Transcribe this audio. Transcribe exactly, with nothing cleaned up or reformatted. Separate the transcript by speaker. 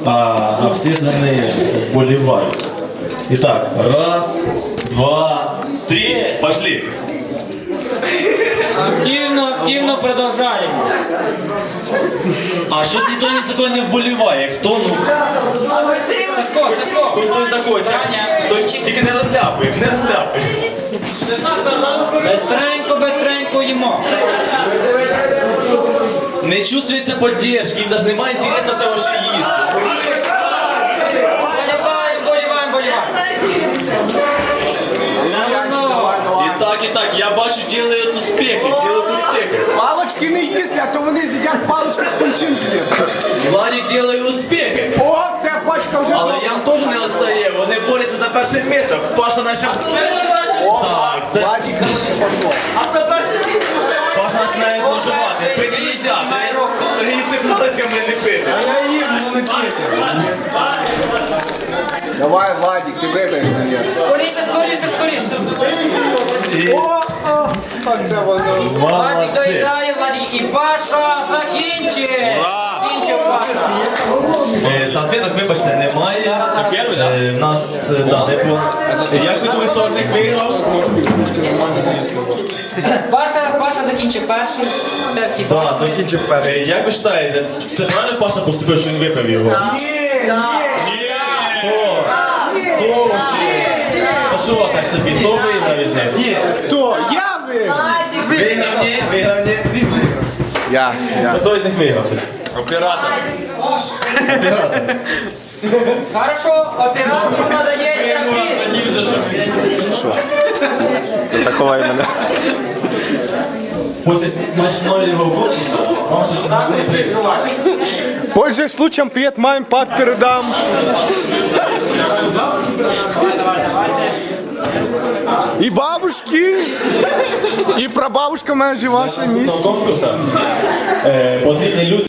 Speaker 1: а, а всі за неї вболівають. Итак, раз, два, три, пошли.
Speaker 2: Активно, активно продовжаємо.
Speaker 1: А щось ніхто ні за кого не вболіває. Хто, ну?
Speaker 2: Сашко, Сашко.
Speaker 1: Хто за когось? Той тільки не розляпує, не розляпує.
Speaker 2: Бестренько, бестренько їмо.
Speaker 1: Не чувствується поддержки, їм навіть немає інтересу того, що їсти.
Speaker 2: Боліваємо, боліваємо, боліваємо.
Speaker 1: І так, і так, я бачу, делают успехи, делают успехи.
Speaker 3: Палочки не їсти, а то вони з'їдять палочку в тончин желе.
Speaker 1: Владик делає успехи.
Speaker 3: О, те пачка вже
Speaker 1: Але
Speaker 3: добра.
Speaker 1: Ян теж не остає, вони борються за перше місце. Паша наче... Так, це...
Speaker 3: Владик, короче, пошел.
Speaker 2: А хто перший з'їсть?
Speaker 1: Паша починає зловживати. Пити нельзя, треба їсти паличками, не пити.
Speaker 3: Я їм, ну не п'єте. Давай, Владик, ти вибереш, наверное.
Speaker 2: Скоріше, скоріше, скоріше.
Speaker 3: О, о, оце воно.
Speaker 2: Владик
Speaker 1: Молодці.
Speaker 2: доїдає, Владик. І Паша закінчив. Закінчив Паша.
Speaker 1: Е, Салфеток, вибачте, немає. Е, в нас, е, да, не було. Як ти думаєш, що цих виграв?
Speaker 2: Паша, Паша закінчив перший. Це всі
Speaker 1: Да,
Speaker 2: Паша.
Speaker 1: закінчив перший. Е, Як ви вважаєте, це правильно Паша поступив, що він випив його?
Speaker 2: Ні.
Speaker 1: Хто? Хто вже? А що так собі? Хто виграв із ним? Ні.
Speaker 3: Хто? Я виграв.
Speaker 1: Виграв, ні, виграв, ні.
Speaker 3: Я, я.
Speaker 1: Хто із них виграв?
Speaker 4: Оператор.
Speaker 1: Оператор.
Speaker 2: Хорошо, оператору надається приз.
Speaker 3: Що? Заховай мене.
Speaker 1: Після смачної роботи вам ще смачний приз.
Speaker 3: Пользуясь случаем, привет маме, пап передам. И бабушки, и прабабушка моя жива ще місць.
Speaker 1: Конкурсу е, потрібні люди.